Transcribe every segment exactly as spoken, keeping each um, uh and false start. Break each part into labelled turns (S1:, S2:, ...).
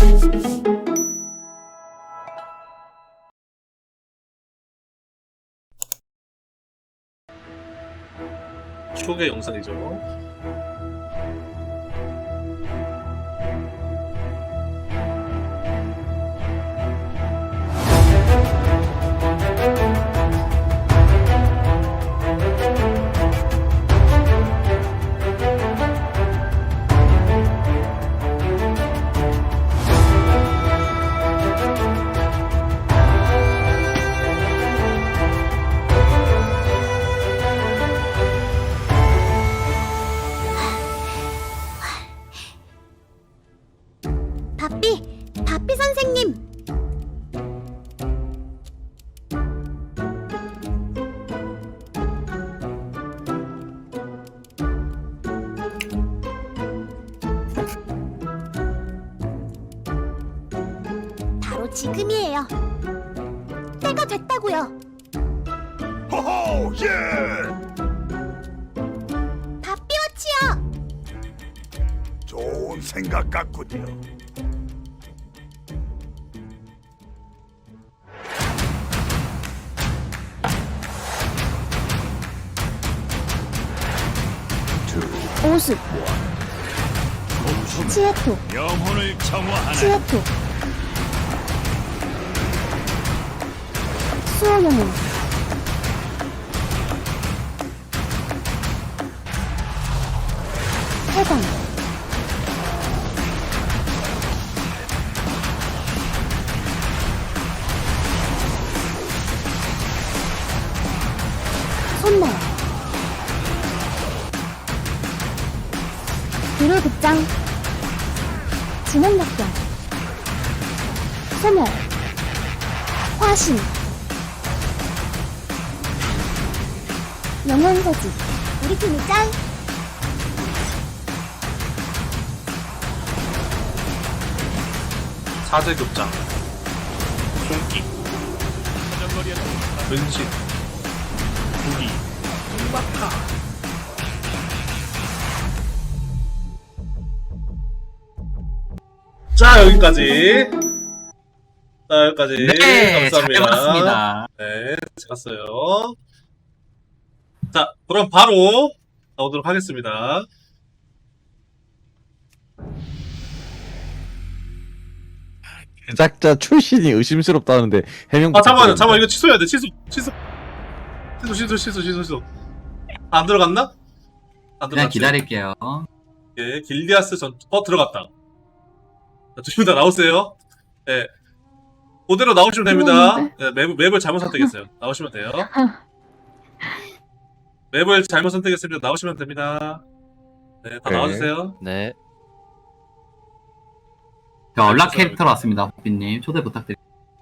S1: 추억의 영상이죠.
S2: 바삐! 바삐 선생님! 바로 지금이에요. 때가 됐다고요.
S3: 호호, 예!
S2: 바삐워치요!
S3: 좋은 생각 같군요.
S2: 오습 치에토
S3: 영혼을 정화하는
S2: 치에토 수호영웅 해방 손날 비롤극장 진원락경 소멸 화신 영혼거지 우리 팀이 짱
S1: 사제급장, 손기, 은신, 무기, 막타. 자, 여기까지. 자, 여기까지.
S4: 네, 잘
S1: 감사합니다.
S4: 봤습니다.
S1: 네, 잘 봤어요. 자, 그럼 바로 가보도록 하겠습니다.
S5: 제작자 출신이 의심스럽다는데 해명.
S1: 아, 잠깐만요. 잠깐만, 이거 취소해야 돼. 취소, 취소. 취소, 취소, 취소, 취소, 취소. 안 들어갔나? 안
S4: 그냥
S1: 들어갔지?
S4: 기다릴게요.
S1: 예, 길디아스 전, 어, 들어갔다. 자, 두 분 다 나오세요. 예. 그대로 나오시면 됩니다. 예, 맵, 맵을 잘못 선택했어요. 나오시면 돼요. 맵을 잘못 선택했습니다. 나오시면 됩니다. 네, 다
S5: 네.
S1: 나와주세요.
S5: 네.
S4: 자, 연락 캐릭터로 왔습니다. 호빈님 초대 부탁드립니다.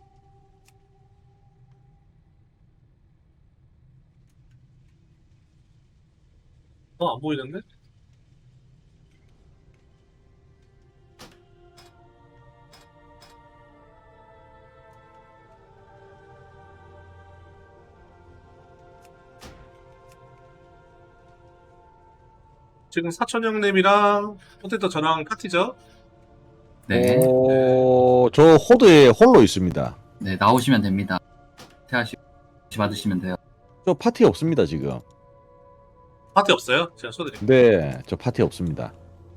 S1: 어, 안 보이는데? 지금 사촌 형님이랑 포테토 저랑 파티죠?
S4: 네,
S5: 오, 저 호드에 홀로 있습니다.
S4: 네 나오시면 됩니다. 태하시 받으시면 돼요.
S5: 저 파티 없습니다 지금.
S1: 파티 없어요? 제가 쏘드릴게요.
S5: 네, 저 파티 없습니다.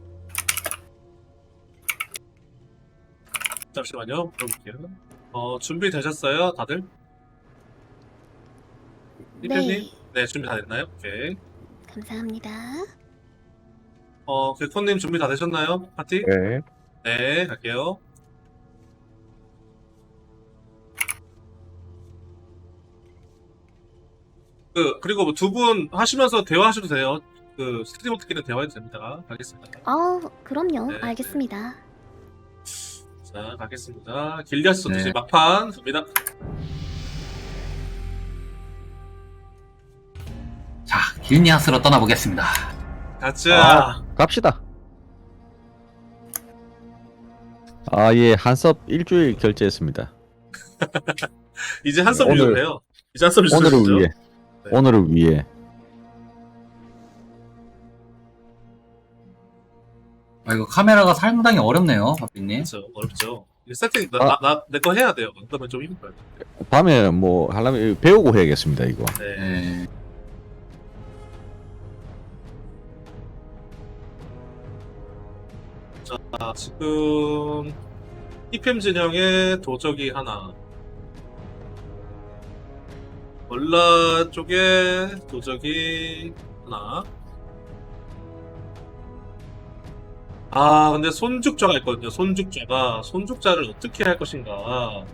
S1: 잠시만요. 물어볼게요. 어, 준비되셨어요? 다들? 이편님? 네, 준비 다 됐나요? 오케이.
S2: 감사합니다.
S1: 어, 개코님 준비 다 되셨나요? 파티?
S5: 네.
S1: 네, 갈게요. 그, 그리고 두 분 하시면서 대화하셔도 돼요. 그, 스트리머들끼리 대화해도 됩니다. 가겠습니다.
S2: 어, 그럼요.
S1: 네.
S2: 알겠습니다.
S1: 자, 가겠습니다. 길리아스 선수
S4: 네.
S1: 막판 갑니다.
S4: 자, 길니아스로 떠나보겠습니다.
S1: 가자.
S5: 아, 갑시다. 아, 예, 한섭 일주일 결제했습니다.
S1: 이제 한섭
S5: 오늘-
S1: 유저를 해요. 이제 한섭 유저.
S5: 오늘을 위해.
S1: 네.
S5: 네. 오늘을 위해. 오늘을 위해.
S4: 아, 이거 카메라가 상당히 어렵네요, 박빈님.
S1: 그렇죠. 어렵죠. 이게 세팅
S5: 아.
S1: 나내 거 해야 돼요. 그러면 좀 힘들어요.
S5: 밤에 뭐 하려면 배우고 해야겠습니다 이거.
S1: 네.
S4: 네.
S1: 자, 지금 이피엠 진영에 도적이 하나, 월라 쪽에 도적이 하나. 아, 근데 손죽자가 있거든요. 손죽자가 손죽자를 어떻게 할 것인가.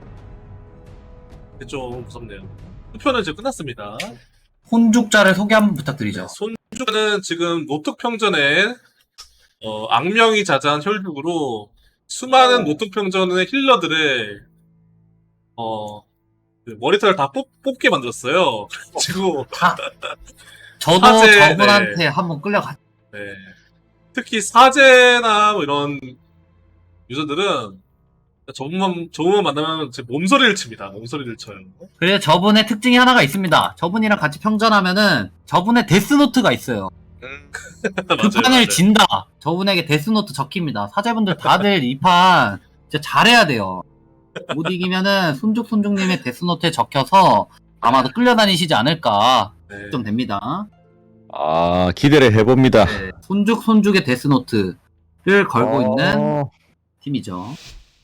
S1: 이게 좀 무섭네요. 투표는 이제 끝났습니다.
S4: 혼죽자를 소개 한번 부탁드리죠.
S1: 손죽자는 지금 노특평전에 어, 악명이 자자한 혈육으로 수많은 노특평전의 힐러들의 어, 그 머리털을 다 뽑, 뽑게 만들었어요. 그리고
S4: 다. 저도
S1: 사제,
S4: 저분한테
S1: 네.
S4: 한번 끌려갔.
S1: 네. 특히 사제나 뭐 이런 유저들은 저분만 저분만 만나면 제 몸소리를 칩니다. 몸소리를 쳐요.
S4: 그래서 저분의 특징이 하나가 있습니다. 저분이랑 같이 평전하면은 저분의 데스노트가 있어요. 그
S1: 맞아요,
S4: 판을
S1: 맞아요.
S4: 진다. 저분에게 데스노트 적힙니다. 사제분들 다들 이 판 진짜 잘해야 돼요. 못 이기면은 손죽 손죽님의 데스노트에 적혀서 아마도 끌려다니시지 않을까
S1: 네.
S4: 좀 됩니다.
S5: 아 기대를 해봅니다.
S4: 네, 손죽 손죽의 데스노트를 걸고
S5: 어,
S4: 있는 팀이죠.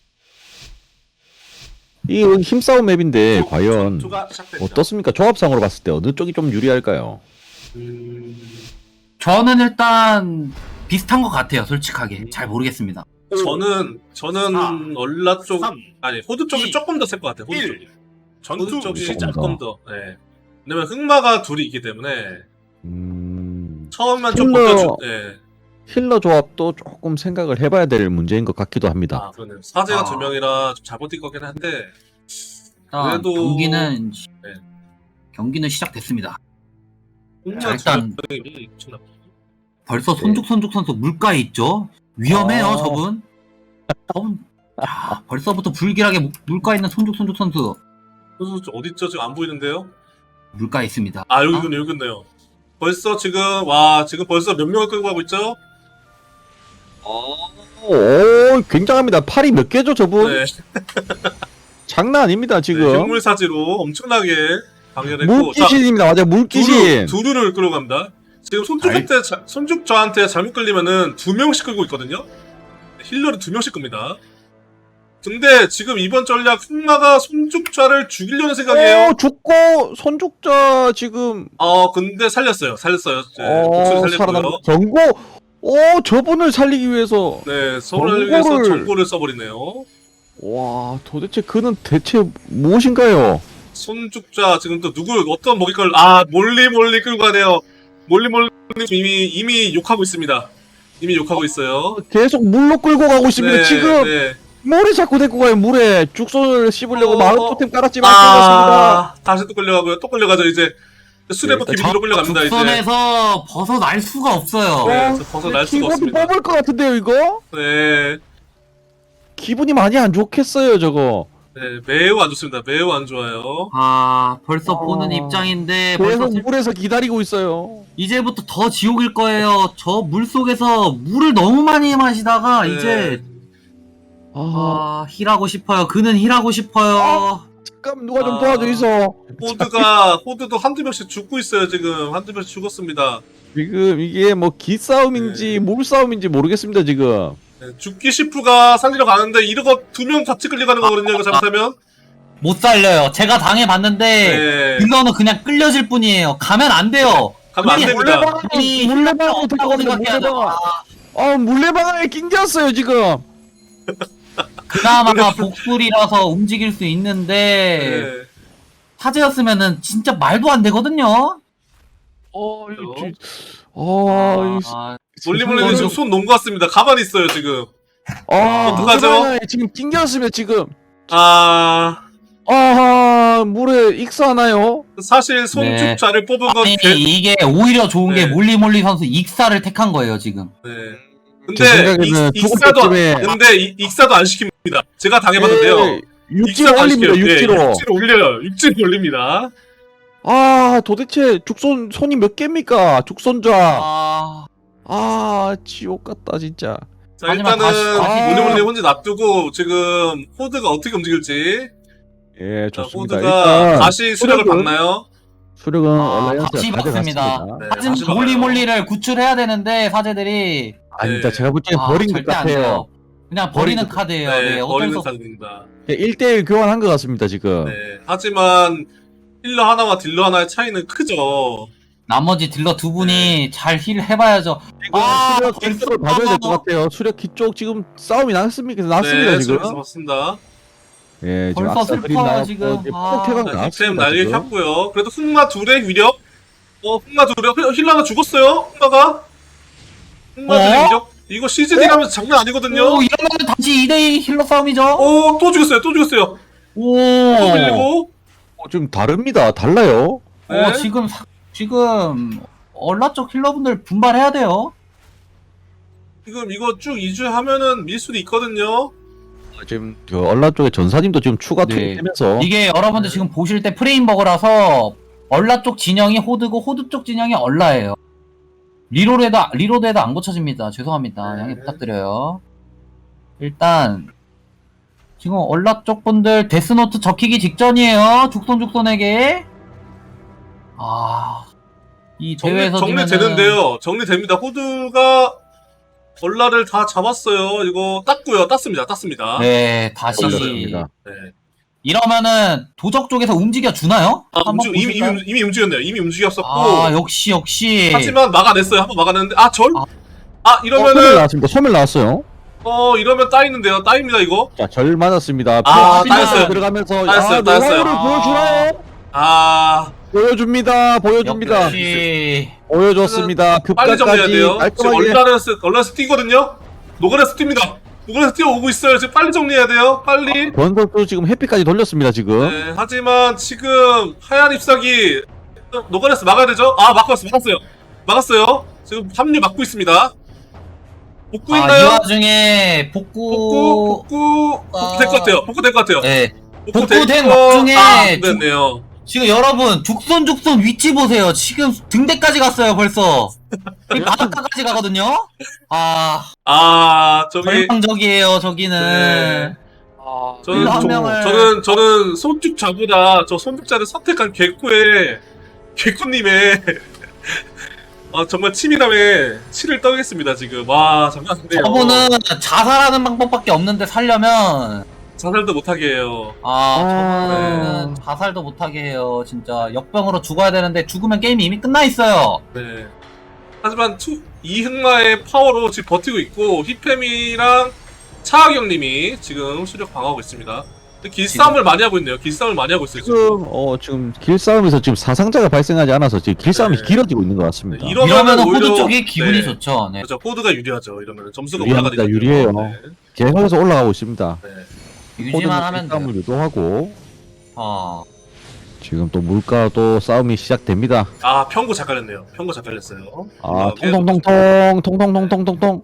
S5: 이 힘싸움 맵인데 과연
S1: 투가 시작됐죠.
S5: 어떻습니까? 조합상으로 봤을 때 어느 쪽이 좀 유리할까요?
S1: 음...
S4: 저는 일단 비슷한 것 같아요. 솔직하게 잘 모르겠습니다.
S1: 저는 저는
S3: 사,
S1: 얼라 쪽
S3: 삼,
S1: 아니 호두 쪽이
S3: 이,
S1: 조금 더 셀 것 같아요. 호두
S3: 일.
S1: 쪽이.
S3: 전투
S1: 호두 쪽이
S5: 시작.
S1: 조금 더. 네. 왜냐면 흑마가 둘이 있기 때문에
S5: 음...
S1: 처음만 좀
S5: 힐러-
S1: 버텨주. 네.
S5: 힐러 조합도 조금 생각을 해봐야 될 문제인 것 같기도 합니다.
S1: 아 그러네요. 사제가
S4: 아.
S1: 두 명이라 좀 잘 버틸 거긴 한데.
S4: 일단
S1: 그래도-
S4: 경기는
S1: 네.
S4: 경기는 시작됐습니다.
S1: 흑마
S4: 자, 일단
S1: 두 명이 엄청나.
S4: 벌써
S5: 네.
S4: 손죽 손죽 선수 물가에 있죠. 위험해요,
S5: 아.
S4: 저분. 저분. 야, 벌써부터 불길하게 물- 물가에 있는 손죽 손죽 선수
S1: 선수 어디 있죠? 지금 안 보이는데요?
S4: 물가에 있습니다.
S1: 아 여기 있군요, 여기 있네요. 벌써 지금 와 지금 벌써 몇 명을 끌고 가고 있죠?
S5: 오, 굉장합니다. 팔이 몇 개죠, 저분?
S1: 네.
S5: 장난 아닙니다, 지금.
S1: 네, 흉물 사지로 엄청나게 방열했고.
S5: 물귀신입니다. 맞아요, 물귀신.
S1: 두루, 두루를 끌어갑니다. 지금 손죽한테 자- 손죽 저한테 잘못 끌리면은 두 명씩 끌고 있거든요. 힐러를 두 명씩 끕니다. 근데 지금 이번 전략 흑마가 손죽자를 죽이려는 생각이에요.
S5: 오, 죽고 손죽자 지금
S1: 어 근데 살렸어요. 살렸어요. 네, 목소리
S5: 어,
S1: 살렸고요.
S5: 살아남 경고. 오, 저분을 살리기 위해서.
S1: 네, 서울을 위해서
S5: 정보를-
S1: 정보를 써버리네요.
S5: 와, 도대체 그는 대체 무엇인가요?
S1: 손죽자 지금 또 누구 어떤 먹이걸 아 몰리 몰리 끌고 가네요. 몰리 몰리 이미 이미 욕하고 있습니다. 이미 욕하고 있어요.
S5: 계속 물로 끌고 가고 있습니다.
S1: 네,
S5: 지금
S1: 네.
S5: 물에 자꾸 데리고 가요. 물에 죽손을 씹으려고
S1: 어,
S5: 마을
S1: 어.
S5: 토템 깔았지만 끌렸습니다.
S1: 아 다시 또 끌려가고요. 또 끌려가죠 이제. 수레버
S5: 네,
S1: 기둥으로 끌려갑니다 이제.
S4: 죽선에서 벗어날 수가 없어요.
S1: 네, 그래서 벗어날 수가
S5: 키보드
S1: 없습니다.
S5: 뽑을 것 같은데요, 이거?
S1: 네,
S5: 기분이 많이 안 좋겠어요, 저거.
S1: 네, 매우 안 좋습니다. 매우 안 좋아요.
S4: 아, 벌써
S5: 어.
S4: 보는 입장인데 벌써
S5: 계속 물에서 기다리고 있어요.
S4: 이제부터 더 지옥일 거예요. 저 물 속에서 물을 너무 많이 마시다가
S1: 네.
S4: 이제
S5: 아,
S4: 아, 힐하고 싶어요. 그는 힐하고 싶어요.
S5: 잠깐 누가 좀
S1: 아.
S5: 도와줘 있어.
S1: 호드가 호드도 한두 명씩 죽고 있어요 지금. 한두 명씩 죽었습니다.
S5: 지금 이게 뭐 기싸움인지
S1: 네.
S5: 물싸움인지 모르겠습니다, 지금.
S1: 네, 죽기 시프가 살리러 가는데 이러고 두 명 같이 끌려가는 거거든요. 이거 잘못하면.
S4: 못 살려요. 제가 당해봤는데
S1: 네.
S4: 딜러는 그냥 끌려질 뿐이에요. 가면 안 돼요.
S1: 가면 안
S4: 그게
S1: 됩니다.
S4: 이
S5: 물레방아
S4: 없다고
S5: 들어갑니다,
S4: 생각해야 돼요.
S5: 물레방아. 아, 물레방아에 낑겼어요, 지금.
S4: 그나마 복술이라서 움직일 수 있는데
S1: 네.
S4: 사제였으면은 진짜 말도 안 되거든요.
S5: 어, 이,
S1: 그래요?
S5: 지- 아, 이,
S4: 아,
S1: 몰리몰리는 지금 손 놓은 것 같습니다. 가만히 있어요 지금.
S5: 아,
S1: 어떡하죠?
S5: 물레방아에 지금 낑겼으면 지금.
S1: 아
S5: 아하, 물에 익사하나요?
S1: 사실 손죽자를 뽑은 건
S4: 아니
S1: 개...
S4: 이게 오히려 좋은 게
S1: 네.
S4: 몰리몰리 선수 익사를 택한 거예요 지금.
S1: 네.
S5: 제
S1: 근데
S5: 생각에는
S1: 익,
S5: 죽을
S1: 익사도 안-
S5: 때쯤에-
S1: 근데 이- 익사도 안 시킵니다. 제가 당해봤는데요.
S5: 예, 육지로
S1: 익사도 안
S5: 올립니다,
S1: 시켜요. 네,
S5: 육지로.
S1: 육지로 올려요. 육지로 올립니다.
S5: 아, 도대체 죽손 손이 몇 개입니까? 죽손자.
S4: 아,
S5: 아 지옥 같다 진짜.
S1: 자
S4: 하지만
S1: 일단은
S4: 다시- 다시
S1: 우리물리 혼자 놔두고 지금 호드가 어떻게 움직일지.
S5: 예
S1: 자,
S5: 좋습니다.
S1: 호드가
S5: 일단
S1: 다시 수력을
S5: 수력은-
S1: 박나요?
S5: 수력은
S4: 아,
S5: 얼라이언스가
S4: 다시 박습니다.
S5: 가져갔습니다.
S1: 네,
S4: 하지만
S1: 다시 박아요.
S4: 몰리몰리를 구출해야 되는데 사제들이
S5: 아닙니다.
S1: 네.
S5: 제가 볼 때는
S4: 아,
S5: 버린 것
S4: 절대 안
S5: 같아요.
S4: 돼요. 그냥 버리는
S5: 버리는-
S4: 카드예요.
S1: 네,
S4: 네, 어쩔
S1: 버리는
S4: 수 없.
S1: 카드입니다.
S5: 일 대일 교환한 것 같습니다 지금.
S1: 네, 하지만 힐러 하나와 딜러 하나의 차이는 크죠.
S4: 나머지 딜러 두 분이 잘 힐 해봐야죠.
S5: 지금
S4: 아,
S5: 수력
S4: 벌써-
S5: 기쪽을 봐줘야 될 것 같아요. 수력 기쪽 지금 싸움이 났습니까? 났습니다
S1: 네,
S5: 지금.
S1: 수력에서 봤습니다.
S5: 예, 지금
S4: 벌써
S5: 악사 그림
S4: 슬퍼요,
S5: 나왔고
S4: 지금.
S5: 이제
S4: 아.
S5: 포켓가
S1: 자, 힙템
S5: 나왔습니다.
S1: 날개
S5: 지금.
S1: 켰고요. 그래도 흑마 둘의 위력. 어, 흑마 둘의 힐- 힐러 하나 죽었어요. 흑마가. 흑마 둘의
S4: 어?
S1: 위력. 이거 씨지디 가면서 장난 아니거든요.
S4: 오, 이러면 다시 이 대이 힐러 싸움이죠.
S1: 오, 또 죽였어요. 또 죽였어요.
S4: 오,
S1: 또 밀리고.
S5: 어, 좀 다릅니다. 달라요.
S4: 어,
S1: 네.
S4: 지금 사- 지금 얼라 쪽 힐러분들 분발해야 돼요.
S1: 지금 이거 쭉 이주하면은 밀 수도 있거든요.
S5: 지금 그 얼라 쪽에 전사님도 지금 추가
S4: 네.
S5: 투입되면서
S4: 이게 여러분들
S1: 네.
S4: 지금 보실 때 프레임 버그라서 얼라 쪽 진영이 호드고 호드 쪽 진영이 얼라예요. 리로드에도 리로드에도 안 고쳐집니다. 죄송합니다.
S1: 네.
S4: 양해 부탁드려요. 일단 지금 얼라 쪽 분들 데스노트 적히기 직전이에요. 죽손죽손에게. 아, 이
S1: 정리,
S4: 대회에서 지면은
S1: 정리되는데요. 정리됩니다. 호드가 얼라를 다 잡았어요. 이거 땄고요. 땄습니다. 땄습니다.
S4: 네, 다시
S5: 올렸습니다.
S1: 네.
S4: 이러면은 도적 쪽에서 움직여 주나요?
S1: 아,
S4: 한번
S1: 움직, 이미,
S4: 보실까요?
S1: 이미, 이미 움직였네요. 이미 움직였었고.
S4: 아, 역시 역시.
S1: 하지만 막아냈어요. 한번 막아냈는데. 아, 절?
S4: 아.
S1: 아,
S5: 어, 소멸
S1: 이러면은.
S5: 나왔습니다. 소멸 나왔어요.
S1: 어, 이러면 따이는데요. 따입니다, 이거.
S5: 자, 절 맞았습니다.
S1: 아,
S5: 피어
S1: 따였어요.
S5: 들어가면서
S1: 따였어요,
S5: 아,
S1: 따였어요.
S5: 노하우를 보여주나요?
S1: 아,
S5: 보여줍니다. 보여줍니다.
S4: 역시
S5: 보여줬습니다.
S1: 빨리 정리해야
S5: 급각까지
S1: 돼요. 지금
S5: 깔끔하게.
S1: 얼라레스, 얼라레스 뛰거든요? 노가레스 뜁니다. 노가레스 뛰어오고 있어요. 지금 빨리 정리해야 돼요. 빨리.
S5: 권선도 지금 해피까지 돌렸습니다. 지금.
S1: 네, 하지만 지금 하얀 잎사귀 노가레스 막아야 되죠? 아, 막았어요. 막았어요. 막았어요. 지금 합류 막고 있습니다. 복구
S4: 아, 이
S1: 있나요?
S4: 와중에 복구
S1: 복구, 복구, 복구 될 것 같아요. 복구 될 것 같아요.
S4: 네.
S1: 복구
S4: 복구된
S1: 될 거-
S4: 와중에
S1: 아, 됐네요.
S4: 지금 여러분 죽손 죽손 위치 보세요. 지금 등대까지 갔어요 벌써. 이 바닷가까지 가거든요. 아,
S1: 아, 저기
S4: 절망적이에요 저기는.
S1: 네. 저는
S4: 한
S1: 저,
S4: 명을-
S1: 저는 저는 손죽자보다 저 손죽자를 선택한 개코의 개코님의 아, 정말 치밀함에 치를 떠겠습니다 지금. 와, 장난 아닌데요.
S4: 저분은 자살하는 방법밖에 없는데 살려면
S1: 자살도 못하게 해요.
S4: 아,
S5: 아.
S4: 저분은 자살도 못하게 해요. 진짜 역병으로 죽어야 되는데 죽으면 게임이 이미 끝나 있어요.
S1: 네. 하지만 투, 이흑마의 파워로 지금 버티고 있고 히페미랑 차하경님이 지금 수력 방어하고 있습니다. 근데 길싸움을 많이 하고 있네요. 길싸움을 많이 하고 있어요. 지금.
S5: 지금 어 지금 길싸움에서 지금 사상자가 발생하지 않아서 지금 길싸움이
S1: 네.
S5: 길어지고 있는 것 같습니다.
S1: 네, 이런-
S4: 이러면
S1: 이러면은
S4: 호드
S1: 오히려-
S4: 쪽이 기분이
S1: 네.
S4: 좋죠. 네.
S1: 그렇죠. 코드가 유리하죠. 이러면 점수가
S5: 유리합니다.
S1: 올라가니까요.
S5: 유리해요.
S1: 네.
S5: 계속해서 올라가고 있습니다.
S1: 네.
S4: 유지만 하면 돼요.
S5: 싸움을 유도하고
S4: 어.
S5: 지금 또 물가 또 싸움이 시작됩니다.
S1: 아, 평구 잘 깔렸네요. 평구 잘 깔렸어요.
S5: 아
S1: 네.
S5: 통통통통 통통통통통통.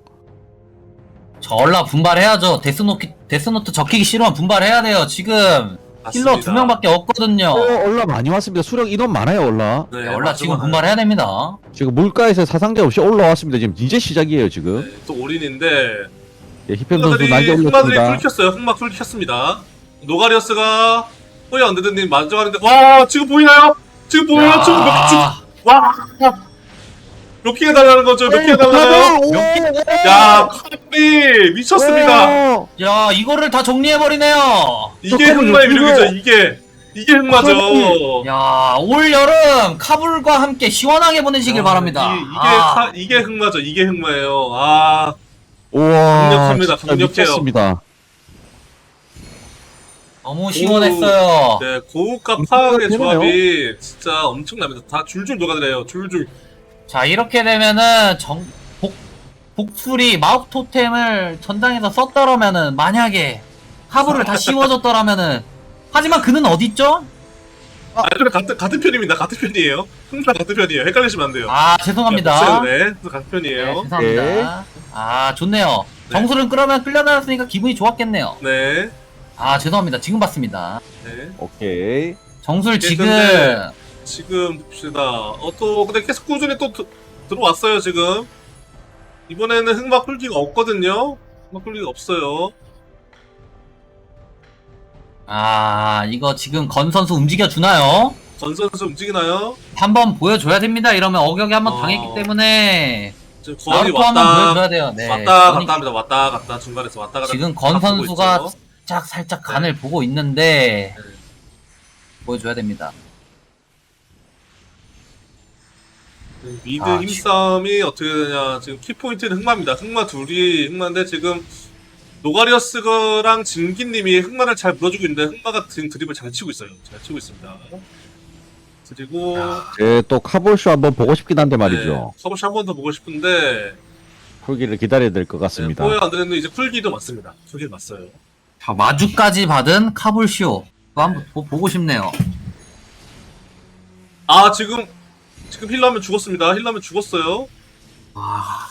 S4: 전라 분발해야죠. 데스노트 데스노트 적히기 싫으면 분발해야 돼요. 지금 힐러
S1: 맞습니다.
S4: 두 명밖에 없거든요.
S5: 어, 올라 많이 왔습니다. 수령 인원 많아요 올라.
S1: 네,
S4: 원라
S1: 맞아,
S4: 지금
S1: 맞아요.
S4: 분발해야 됩니다.
S5: 지금 물가에서 사상자 없이 올라왔습니다. 지금 이제 시작이에요 지금.
S1: 네, 또 올인인데
S5: 예, 히펜 선수
S1: 흑마들이
S5: 날개
S1: 흑마들이
S5: 올렸습니다.
S1: 풀 켰어요. 흑마 풀 켰습니다. 노가리어스가 호이 언데드님 만져가는데 와, 지금 보이나요? 지금 보여요?
S4: 야,
S1: 지금 몇, 지금 와, 몇 개 해달라는 거죠? 몇 개 해달라요? 야, 카비 미쳤습니다.
S4: 야 이거를 다 정리해 버리네요.
S1: 이게
S5: 저
S1: 흑마의
S5: 카비
S1: 위력이죠. 이게 이게 흑마죠.
S4: 야 올 여름 카불과 함께 시원하게 보내시길
S1: 아,
S4: 바랍니다.
S1: 이, 이게
S4: 아,
S1: 카- 이게 흑마죠. 이게 흑마예요. 아,
S5: 우와.
S1: 강력합니다.
S5: 진짜
S1: 강력해요.
S5: 미쳤습니다.
S4: 너무 시원했어요.
S1: 네, 고우가
S5: 음,
S1: 파악의
S5: 되나요?
S1: 조합이 진짜 엄청납니다. 다 줄줄 녹아들어요. 줄줄.
S4: 자 이렇게 되면은 정 복, 복술이 마법 토템을 전장에서 썼더라면은 만약에 카불을 다 씌워줬더라면은 하지만 그는 어딨죠?
S1: 아, 그래 같은 같은 편입니다. 같은 편이에요. 항상 같은 편이에요. 헷갈리시면 안 돼요.
S4: 아 죄송합니다.
S1: 네, 네, 같은
S4: 네,
S1: 편이에요.
S4: 죄송합니다. 아 좋네요.
S1: 네.
S4: 정수를 끌어면 끌려다녔으니까 기분이 좋았겠네요.
S1: 네,
S4: 아 죄송합니다. 지금 봤습니다.
S1: 네.
S5: 오케이.
S4: 정수를
S1: 예,
S4: 지금
S1: 근데 지금 봅시다. 어, 또 근데 계속 꾸준히 또 드, 들어왔어요. 지금 이번에는 흑마 쿨기가 없거든요. 흑마 쿨기가 없어요.
S4: 아, 이거 지금 건 선수 움직여주나요?
S1: 건 선수 움직이나요?
S4: 한번 보여줘야 됩니다. 이러면 어격에 한번
S1: 어.
S4: 당했기 때문에
S1: 지금 건이
S4: 나루토 한번
S1: 왔다
S4: 보여줘야 돼요. 네.
S1: 왔다
S4: 건이
S1: 갔다 합니다. 왔다 갔다 중간에서 왔다 갔다.
S4: 지금 건
S1: 바꾸고
S4: 선수가
S1: 있죠.
S4: 살짝 살짝 간을 보고 있는데
S1: 네.
S4: 보여줘야 됩니다.
S1: 미드
S4: 아,
S1: 힘싸움이 어떻게 되냐. 지금 키포인트는 흑마입니다. 흑마 둘이 흑마인데 지금 노가리어스랑 진기님이 흑마를 잘 물어주고 있는데 흑마가 지금 드립을 잘 치고 있어요. 잘 치고 있습니다. 그리고
S5: 제 또 카볼쇼 한번 보고 싶긴 한데 말이죠.
S1: 네, 서브시 한 번 더 보고 싶은데
S5: 쿨기를 기다려야 될 것
S1: 네,
S5: 같습니다.
S1: 포획 안 되는데 이제 쿨기도 맞습니다. 쿨기 맞어요.
S4: 자, 마주까지 받은 카불쇼 그거 한번 보, 보고 싶네요.
S1: 아 지금 지금 힐러면 죽었습니다. 힐러면 죽었어요.
S4: 아,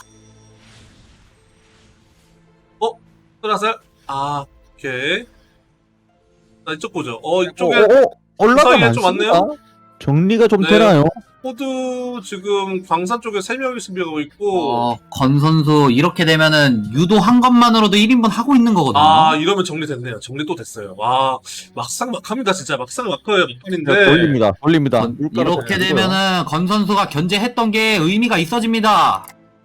S1: 끝났어요? 아 오케이. 나 이쪽 보죠. 어
S5: 어,
S1: 이쪽에
S5: 어, 어, 올라가
S1: 사이에 좀
S5: 많습니다.
S1: 왔네요?
S5: 정리가 좀
S1: 네.
S5: 되나요?
S1: 호드 지금 광산 쪽에 세 명이 수비하고 있고
S4: 어, 건 선수 이렇게 되면은 유도한 것만으로도 일 인분 하고 있는 거거든요.
S1: 아 이러면 정리됐네요. 정리 또 됐어요. 와 막상 막합니다. 진짜 막상 막혀요. 막판인데
S5: 네, 돌립니다. 돌립니다.
S4: 건-
S5: 물가로
S4: 이렇게
S5: 돌리고요.
S4: 되면은 건 선수가 견제했던 게 의미가 있어집니다.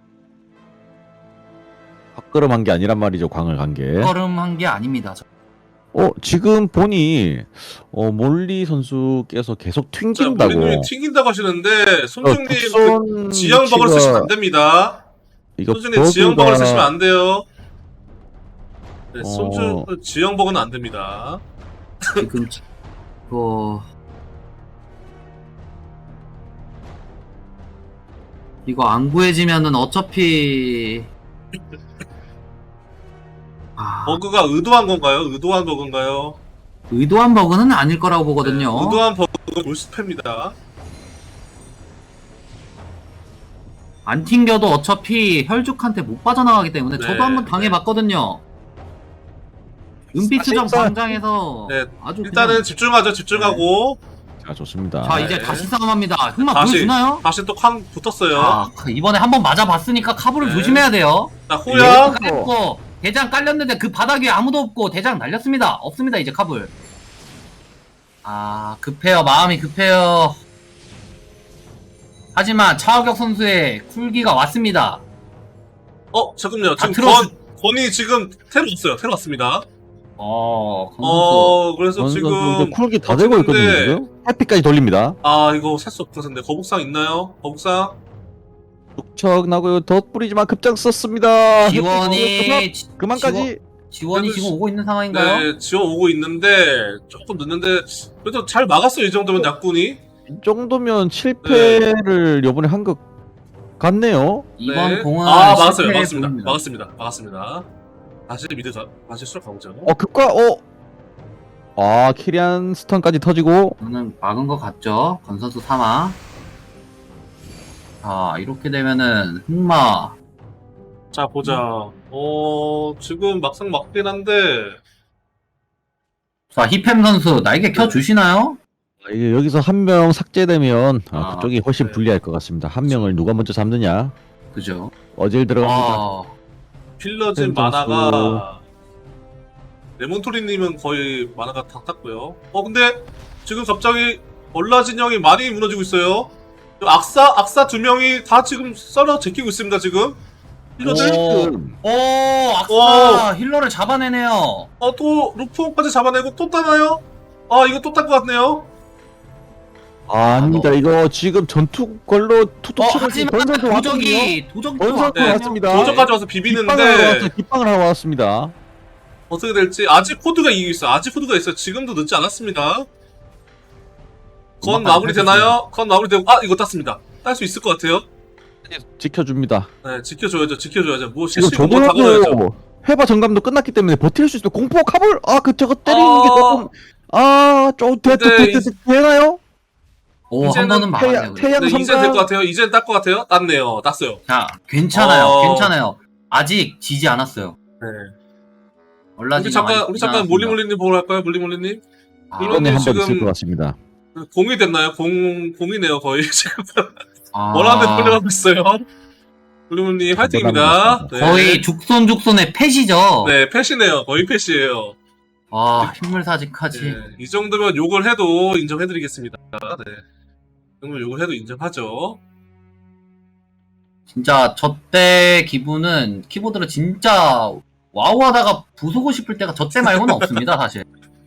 S5: 헛걸음한 게 아니란 말이죠. 광을 간 게.
S4: 걸음한 게 아닙니다. 저-
S5: 어 지금 보니 어 몰리 선수께서 계속
S1: 자,
S5: 튕긴다고.
S1: 우리님이 튕긴다고 하시는데
S5: 어,
S1: 손중님 그
S5: 국선
S1: 지형버그를
S5: 위치가-
S1: 쓰시면 안 됩니다.
S5: 이거
S1: 손중님 지형버그를
S5: 버그가-
S1: 쓰시면 안 돼요. 네,
S5: 어.
S1: 손중 지형버그는 안 됩니다.
S4: 지금 지- 뭐 이거 안 구해지면은 어차피 아,
S1: 버그가 의도한 건가요? 의도한 버그인가요?
S4: 의도한 버그는 아닐 거라고 보거든요.
S1: 네, 의도한 버그는 몰스패입니다.
S4: 안 튕겨도 어차피 혈죽한테 못 빠져나가기 때문에
S1: 네,
S4: 저도 한번 당해봤거든요. 은빛수정
S5: 사실상-
S4: 광장에서
S1: 네,
S4: 아주
S1: 일단은
S4: 그냥-
S1: 집중하죠. 집중하고
S5: 자 좋습니다.
S4: 자
S1: 네.
S4: 이제 다시 싸움합니다. 흑마
S1: 다시
S4: 보여주나요?
S1: 다시 또 쾅 붙었어요.
S4: 자 이번에 한번 맞아봤으니까 카브를
S1: 네.
S4: 조심해야 돼요.
S1: 자 호야
S4: 깔렸고 대장 깔렸는데 그 바닥 위에 아무도 없고 대장 날렸습니다. 없습니다 이제 카불. 아 급해요. 마음이 급해요. 하지만 차하격 선수의 쿨기가 왔습니다.
S1: 어 잠깐만요.
S4: 다
S1: 지금
S4: 틀어주-
S1: 건 건이 지금 테러 왔어요. 테러 왔습니다.
S4: 어, 건 선수.
S1: 어 그래서
S5: 지금
S1: 지금
S5: 쿨기 다 되고 있거든요.
S1: 어쨌는데-
S5: 지금 해피까지 돌립니다.
S1: 아 이거 살 수 없을 텐데 거북상 있나요? 거북상?
S5: 툭척 나고요. 덧뿌리지만 급장 썼습니다.
S4: 지원이 지-
S5: 그만까지.
S4: 지원이
S1: 그래도
S4: 지금
S1: 시-
S4: 오고 있는 상황인가요?
S1: 네 지어 오고 있는데 조금 늦는데 그래도 잘 막았어요. 이 정도면 약군이.
S5: 이 정도면 실패를 요번에 한 것 같네요.
S4: 이번
S1: 네.
S4: 공은
S1: 아 막았어요.
S4: 실패
S1: 막았습니다.
S4: 보입니다.
S1: 막았습니다. 막았습니다. 다시 미드 가 다시 수락 가보죠.
S5: 어 급과 어. 아 키리안 스턴까지 터지고
S4: 저는 막은 것 같죠? 건 선수 삼아. 자 이렇게 되면은 흑마
S1: 자 보자. 어 지금 막상 막긴 한데
S4: 자 히팸 선수 날개 켜 주시나요?
S5: 아, 이게 여기서 한 명 삭제되면 아,
S4: 아,
S5: 그쪽이 훨씬
S1: 네.
S5: 불리할 것 같습니다. 한 명을 누가 먼저 잡느냐
S4: 그죠?
S5: 어질 들어갑니다.
S4: 아,
S1: 필러진
S5: 팬
S1: 만화가 레몬토리님은 거의 만화가 다 탔고요. 어 근데 지금 갑자기 얼라진 형이 많이 무너지고 있어요. 악사 악사 두 명이 다 지금 썰어 제끼고 있습니다. 지금 필러들.
S4: 오.
S5: 지금
S4: 오 악사 힐러를 잡아내네요.
S1: 어또 루프까지 잡아내고 또 따나요? 아 이거 또 딸 것 같네요.
S5: 아, 아닙니다. 이거 지금 전투 걸로 투투
S4: 어
S5: 치고
S4: 하지만
S5: 번선수 왔거든요.
S4: 도적이 도적이 또
S5: 번선수
S1: 네,
S5: 왔습니다.
S1: 도저까지 와서
S5: 깃방을 하러 왔어요.
S1: 비비는데
S5: 깃방을 하러 왔습니다.
S1: 어떻게 될지 아직 코드가 이기고 있어. 아직 코드가 있어요. 지금도 늦지 않았습니다. 건 마무리 되나요? 건 마무리 되고 아 이거 땄습니다. 딸 수 있을 것 같아요.
S5: 지켜줍니다.
S1: 네 지켜줘야죠. 지켜줘야죠. 뭐
S5: 지금
S1: 실시간 뭐 다가가야죠.
S5: 조도하고 해바 정감도 끝났기 때문에 버틸 수 있을 공포 카볼 아그 저거 때리는
S1: 어.
S5: 게 조금 아좀
S1: 근데
S5: 되나요?
S4: 오한
S1: 이제는
S4: 번은 막았네요.
S5: 태양
S4: 그래도.
S5: 태양
S1: 네, 이젠 될
S5: 성강
S1: 것 같아요. 이젠 딸 것 같아요. 땄네요. 땄어요.
S4: 자 괜찮아요.
S1: 어.
S4: 괜찮아요. 아직 지지 않았어요.
S1: 네.
S4: 얼라지
S1: 우리 잠깐 우리 잠깐 몰리몰리님 보러 갈까요? 몰리몰리님
S4: 아,
S1: 이런-
S5: 이번에 한 번
S1: 지금-
S5: 있을 것 같습니다.
S1: 공이 됐나요? 공 공이네요 거의 지금
S4: 아,
S1: 원하는 데 돌려가고 있어요. 블루문님 화이팅입니다. 네.
S4: 거의 죽손죽손의 패시죠.
S1: 네, 패시네요. 거의 패시예요.
S4: 아 흰물사직까지.
S1: 네, 이 정도면 욕을 해도 인정해드리겠습니다. 네. 이 정도면 욕을 해도 인정하죠.
S4: 진짜 저 때 기분은 키보드를 진짜 와우하다가 부수고 싶을 때가 저 때 말고는 없습니다 사실.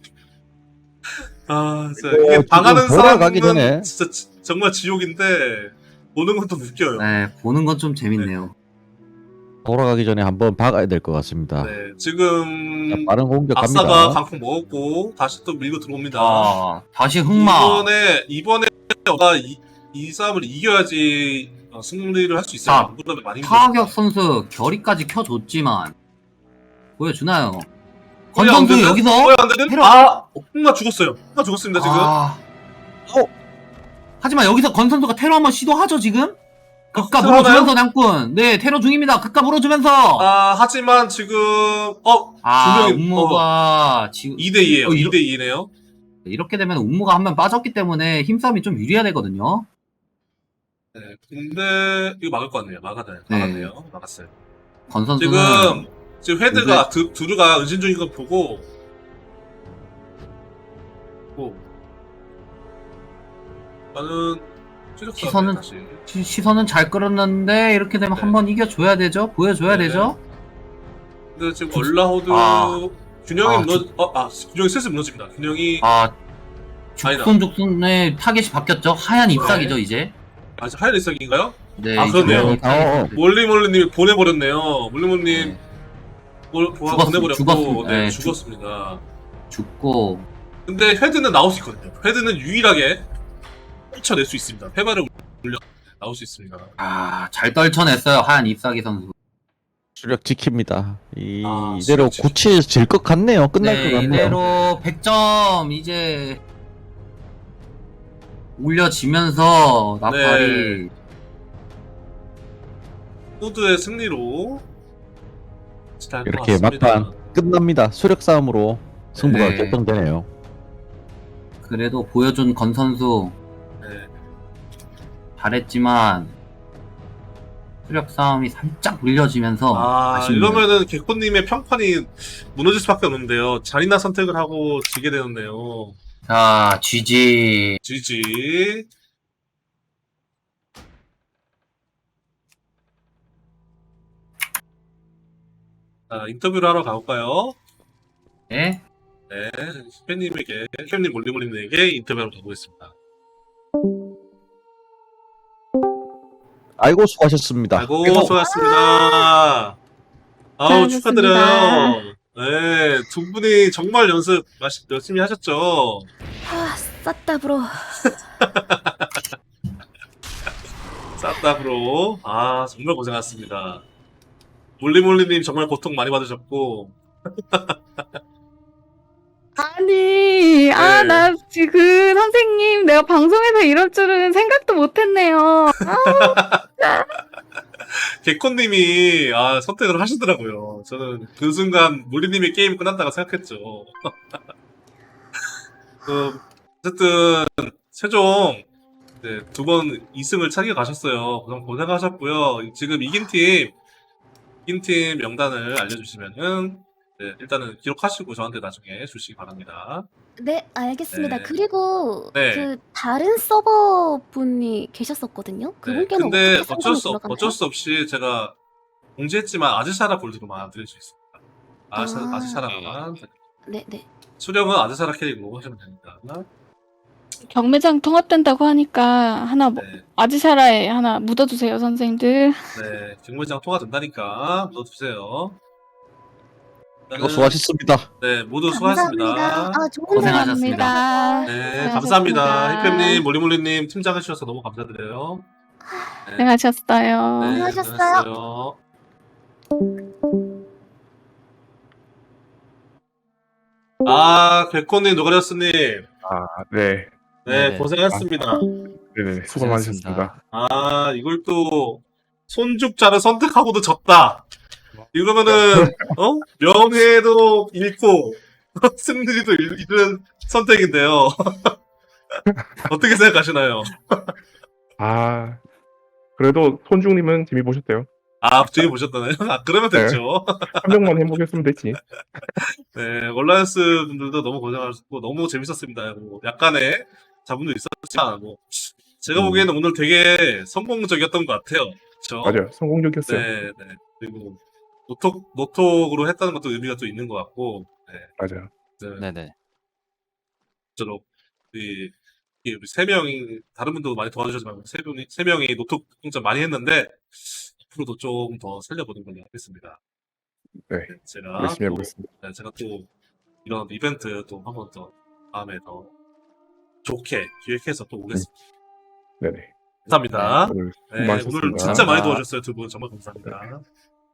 S1: 아, 진짜
S5: 이거
S1: 이게 당하는
S5: 지금 돌아가기
S1: 사람은
S5: 전에.
S1: 진짜 지- 정말 지옥인데 보는 것도 웃겨요.
S4: 네 보는 건 좀 재밌네요.
S5: 돌아가기 전에 한번 박아야 될 것 같습니다.
S1: 네, 지금
S5: 자, 빠른 공격
S1: 아싸가
S5: 갑니다.
S1: 강풍 먹었고 다시 또 밀고 들어옵니다.
S4: 아 다시 흑마.
S1: 이번에 이번에 가 이, 이 싸움을 이겨야지 어, 승리를 할 수 있어요.
S4: 자,
S1: 안 그러면 많이
S4: 타격 선수 결의까지 켜줬지만 보여주나요? 건
S1: 안
S4: 선수
S1: 되는?
S4: 여기서
S1: 뭐야, 안 되는?
S4: 테러-
S1: 아, 흑마 죽었어요. 흑마 죽었습니다 지금.
S4: 아...
S5: 어?
S4: 하지만 여기서 건 선수가 테러 한번 시도하죠 지금? 극가
S1: 테러나요?
S4: 물어주면서 냥꾼 네 테러 중입니다. 극가 물어주면서
S1: 아, 하지만 지금 어,
S4: 아
S1: 두 명이-
S4: 음모가 지금
S1: 이 대 이에요.
S4: 어, 이러-
S1: 이 대 이네요.
S4: 이렇게 되면 음모가 한 명 빠졌기 때문에 힘싸움이 좀 유리해야 되거든요.
S1: 네, 근데 이거 막을 것 같네요. 막았네요.
S4: 네.
S1: 막았네요. 막았어요.
S4: 건 선수는
S1: 지금 지금 헤드가 드, 두루가 은신 중인 걸 보고 뭐 나는 추적
S4: 시선은-
S1: 다시.
S4: 시- 시선은 잘 끌었는데 이렇게 되면
S1: 네.
S4: 한번 이겨줘야 되죠. 보여줘야
S1: 네.
S4: 되죠.
S1: 근데 지금 얼라호드
S4: 아.
S1: 균형이
S4: 아,
S1: 무너 어, 아 균형이 슬슬 무너집니다. 균형이
S4: 아
S1: 아니다.
S4: 죽순죽순의 타겟이 바뀌었죠. 하얀 잎사귀죠 이제.
S1: 아직 하얀 일삭인가요?
S4: 네,
S1: 아,
S4: 이제
S1: 그러네요.
S4: 하얀 잎사귀.
S5: 어, 어.
S1: 몰리몰리님이 보내버렸네요. 몰리몰리님
S4: 네.
S1: 볼- 보아
S4: 죽었-
S1: 보내버렸고
S4: 죽었습니다.
S1: 네,
S4: 네, 죽-
S1: 죽었습니다.
S4: 죽고
S1: 근데 헤드는 나올 수 있거든요. 헤드는 유일하게 쫓아낼 수 있습니다. 페바를 올려 나올 수 있습니다.
S4: 아 잘 떨쳐냈어요 하얀 잎사귀 선수.
S5: 수력 지킵니다. 이,
S1: 아,
S5: 이대로
S1: 수력
S5: 고치질 것 같네요. 끝날
S4: 네
S5: 것 같네요.
S4: 이대로 백 점 이제 올려지면서 나팔이
S1: 후드의 승리로 잘것
S5: 이렇게
S1: 같습니다.
S5: 막판 끝납니다. 수력 싸움으로 승부가
S4: 네.
S5: 결정되네요.
S4: 그래도 보여준 건 선수
S1: 네.
S4: 잘했지만 수력 싸움이 살짝 물려지면서
S1: 아,
S4: 아쉽네요.
S1: 이러면은 개코님의 평판이 무너질 수밖에 없는데요. 잔인한 선택을 하고 지게 되었네요.
S4: 자 지지.
S1: 지지. 자, 인터뷰를 하러 가볼까요?
S4: 네.
S1: 네, 팬님에게, 팬님 몰리몰리님에게 인터뷰하러 가보겠습니다.
S5: 아이고 수고하셨습니다.
S1: 아이고, 수고하셨습니다. 아우, 축하드려요. 네, 두 분이 정말 연습 마시- 열심히 하셨죠?
S2: 아, 쌌다 브로.
S1: 쌌다브로. 아, 정말 고생하셨습니다. 몰리몰리님 정말 고통 많이 받으셨고,
S6: 아니, 아,
S1: 네.
S6: 나 지금 선생님, 내가 방송에서 이럴 줄은 생각도 못 했네요.
S1: 개콘님이, 아, 선택을 하시더라고요. 저는 그 순간 몰리님의 게임이 끝났다고 생각했죠. 그, 어쨌든, 최종, 네, 두 번 이 승을 차기해 가셨어요. 고생, 고생하셨고요. 지금 이긴 팀, 이긴 팀 명단을 알려주시면은, 네, 일단은 기록하시고 저한테 나중에 주시기 바랍니다.
S2: 네, 알겠습니다.
S1: 네.
S2: 그리고
S1: 네.
S2: 그 다른 서버 분이 계셨었거든요.
S1: 네,
S2: 그분께는
S1: 근데
S2: 어떻게
S1: 어쩔
S2: 상담이
S1: 수, 없-
S2: 돌아가나요?
S1: 어쩔 수 없이 제가 공지했지만 아즈샤라 골드로만 드릴 수 있습니다. 아즈샤,
S2: 아.
S1: 아즈샤라만.
S2: 네, 네.
S1: 수령은 아즈샤라 캐릭으로 하시면 됩니다.
S6: 경매장 통합된다고 하니까 하나, 뭐,
S1: 네,
S6: 아지샤라에 하나 묻어주세요, 선생님들.
S1: 네, 경매장 통화 된다니까 넣어주세요.
S5: 아이고 수고하셨습니다.
S1: 네, 모두
S2: 감사합니다.
S1: 수고하셨습니다.
S2: 아, 좋은
S4: 고생하셨습니다.
S6: 감사합니다.
S1: 네,
S6: 수고하셨습니다.
S1: 감사합니다. 히팸님, 몰리몰리님 팀장 해주셔서 너무 감사드려요. 네,
S6: 고생하셨어요.
S1: 네,
S2: 수고하셨어요.
S1: 수고하셨어요. 아, 백호님, 노가리스님,
S7: 아, 네.
S1: 네,
S4: 네네.
S1: 고생하셨습니다.
S7: 네네. 수고 많으셨습니다.
S1: 아, 이걸 또 손죽자를 선택하고도 졌다. 이러면은 어? 명예도 잃고 승리도 잃- 잃는 선택인데요. 어떻게 생각하시나요?
S7: 아, 그래도 손중님은 재미 보셨대요.
S1: 아, 저기 보셨다나요? 아, 그러면
S7: 네.
S1: 됐죠.
S7: 한 명만 행복했으면 됐지.
S1: 네, 월라이언스 분들도 너무 고생하셨고, 너무 재밌었습니다. 뭐, 약간의 자문도 있었지만, 뭐, 제가
S7: 음.
S1: 보기에는 오늘 되게 성공적이었던 것 같아요. 그쵸?
S7: 맞아요. 성공적이었어요.
S1: 네, 네. 그리고, 노톡, 노톡으로 했다는 것도 의미가 또 있는 것 같고, 네.
S7: 맞아요.
S1: 네.
S5: 네네.
S1: 저로, 이, 이 우리 세 명이, 다른 분도 많이 도와주셨지만, 세 명이, 세 명이 노톡 공짜 많이 했는데, 앞으로도 좀 더 살려보는 걸로 하겠습니다.
S7: 네.
S1: 네, 제가
S7: 열심히
S1: 또,
S7: 해보겠습니다.
S1: 네, 제가 또 이런 이벤트 또 한 번 더 다음에 더 좋게 기획해서 또 오겠습니다.
S7: 네네.
S1: 감사합니다.
S7: 오늘 수고
S1: 네,
S7: 많으셨습니다.
S1: 오늘 진짜 많이
S5: 감사합니다.
S1: 도와주셨어요, 두 분. 정말 감사합니다.